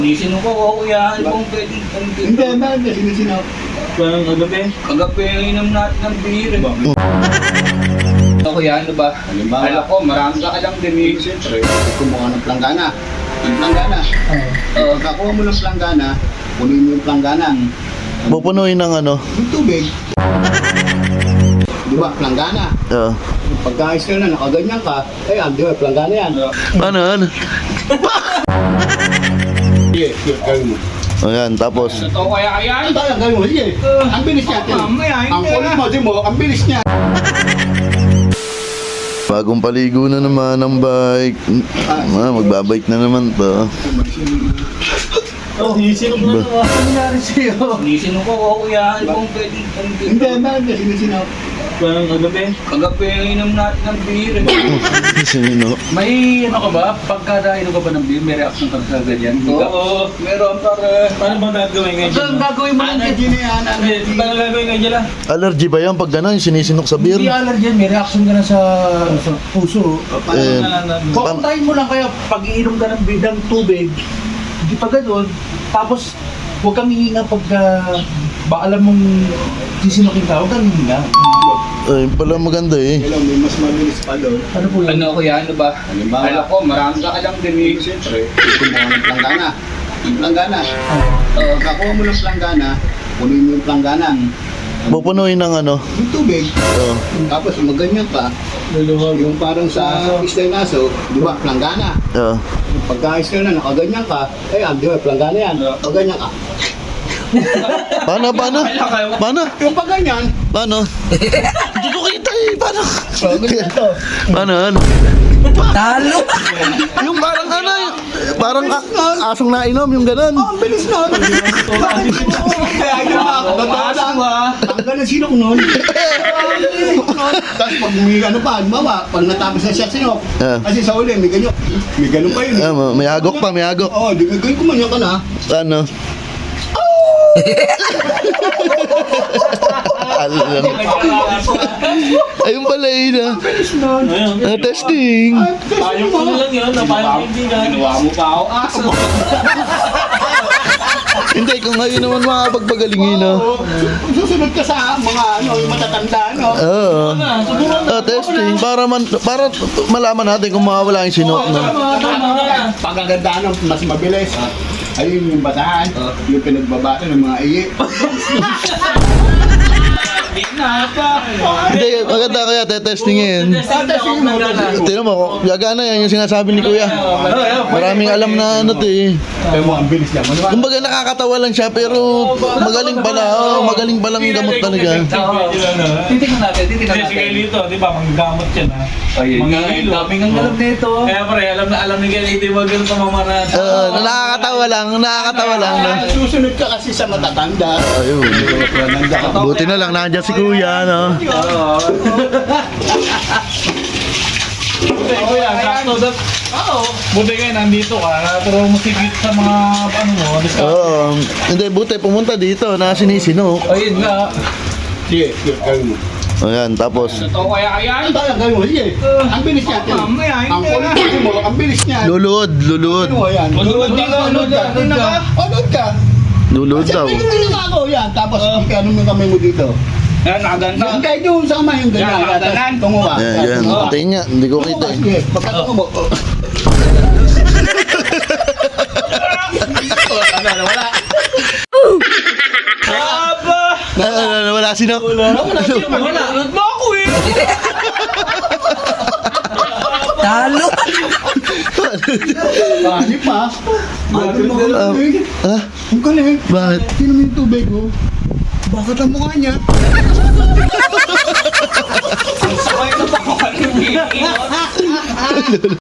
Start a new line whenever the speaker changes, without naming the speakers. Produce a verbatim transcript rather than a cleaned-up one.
Sinisino ko ako yan kung pwedeng
Hindi, bakit na sinisinaw?
Parang kagabi.
kagabi inom natin ng beer. Ako yan, ano ba?
Halimbawa.
Alam ko, marami ka alam din eh.
Siyempre, kumuha ng planggana. Yung planggana.
Oo.
Pagkakuha mo ng planggana, kunin mo yung planggana.
Pupunuin ng ano?
Yung tubig. Di ba, planggana.
Oo.
Pagkaayos ka na, nakaganyan ka, eh, ah, di ba, planggana yan.
Ano, ano?
Sige, sige, gawin mo.
Ayan, tapos.
Totoo kaya kaya?
Ano tayo, gawin mo, sige. Ang bilis niya.
Oh, mamaya, hindi
Ang kulit
na.
mo, di mo, ang bilis niya.
Bagong paligo na naman ng bike. Ah, magbabike na naman to.
Oh, sinisino ko na naman. Ano nangyari sa'yo?
Sinisino ko ako yan kung pwedeng
Hindi, bakit na sinisinaw?
Parang kagabi.
kagabi inom natin ng beer.
Sino?
May ano ka ba? Pagka inom ka ba ng beer, may reaction ka sa ganyan?
Oo, meron pare.
Paano bang gagawin ngayon?
So, ang gagawin mo lang
Energy na yan, energy.
Paano gagawin ngayon dyan?
Allergy ba yan pag gano'n? Sinisinok sa beer?
Hindi allergy yan, may reaction ka na sa, sa puso.
Eh,
Kukuntahin mo lang kaya pag iinom ka ng beer ng tubig, hindi pa ganun, tapos huwag kang hihinga pagka ba alam mong sisinokin ka, huwag kang hihinga.
ay, pala maganda eh.
Hello, may mas mabilis pa doon.
Ano po yun?
Ano ko yan, ano ba?
Halimbawa.
Alam ko, marami ka alam din eh.
Siyempre, kumuha ng planggana. Yung planggana.
Oo.
Pagkakuha mo ng planggana, kunin mo yung planggana.
Pupunuin ng ano?
Yung tubig.
Oo.
Tapos maganyan ka. Yung parang sa isla ng aso, di ba, planggana.
Oo.
Pagkaayos ka na, nakaganyan ka, eh, ah, di ba, planggana yan. Paganyan ka.
Paano, paano? Paano?
Yung paganyan,
Paano? Hindi ko kita eh. Paano? Paano, ano?
Talo!
Yung parang ano, yung, parang a- asong nainom, yung ganun.
oh, ang bilis nun. Kaya yun ako, totoo lang. Ang ganun sinok nun. Tapos pag may ano pa, mawa, pag natapos na siya sinok,
Ah.
kasi sa uli, may ganyan, may ganun pa yun.
Ah, ma- may agok pa, may agok.
Oo, di may ganyan kumanyan ka na.
Ano? Alam. Ayun pala yun ah.
Ayun.
Ah, testing.
Payo ko na lang yun. Payo kaibigan.
Ginawa mo pa ako aso.
Hindi, kung ngayon naman makapagpagalingin ah.
Oo, susunod ka sa mga ano, yung matatanda, no?
Oo. Ah, testing. Para, man, para malaman natin kung mawawala yung sinok na.
Pagagandaan ng mas mabilis. Ayun yung bataan, yung pinagbabato ng mga iye.
Hindi na pa.
Hindi, maganda kaya tetestingin.
Tatesting mo.
Tingnan mo, gagana yan yung sinasabi ni Kuya. Maraming alam na ano to eh.
Kaya mo, ang bilis niya. Ano ba?
Kumbaga nakakatawa lang siya pero magaling pala. Oh, magaling palang gamot talaga.
Titignan natin, titignan
Kasi si
natin.
Kailito, di ba, manggamot yan ha.
Ayun
Mga
nga,
ilo.
Daming ang alam nito.
Kaya pare, alam na alam ni Kailito, wag yung pamamaraan.
Oo, nakakatawa lang, nakakatawa lang. No?
Susunod ka kasi sa matatanda.
Ayun.
Matatanda ka.
Buti na lang nandiyan si Kuya, no?
Buti, kuya, sakto dat. Buti kayo, nandito ka. Pero masigit sa mga, ano mo, discount.
Oo. Hindi, buti pumunta dito na sinisino.
Ayun nga.
Sige, sige, gawin mo.
Ayan, tapos
Totoo kaya kaya?
Ano tayo, gawin mo, sige. Ang bilis niya.
Oh, mamaya,
Ang
hindi
kulit mo, ang bilis niya.
luluod, luluod.
Ano mo yan?
Lulod ka, lulod ka.
Ano ka? Ano ka?
Luluod daw.
Siyempre, ganun ako yan. Tapos, ano mo kamay mo dito?
Yan, nakaganda.
Yung kahit yung sama yung ganyan.
Yan, nakadanan.
Tungo ka.
Ayan, yan.
Tungo ka.
Patayin niya, hindi ko
Tungo
kita
ka,
eh.
sige. Pagkatungo mo. oh. Ano, nawala.
Aba!
Na, na, na, wala sinok.
Wala, wala mo ako eh.
Talo!
Pani pa. Grabe mo
Um,
galing.
ha?
Ang galing.
Bakit?
Sino mo yung tubig, oh? Bakit ang mukha niya?
Sabay na pa ako.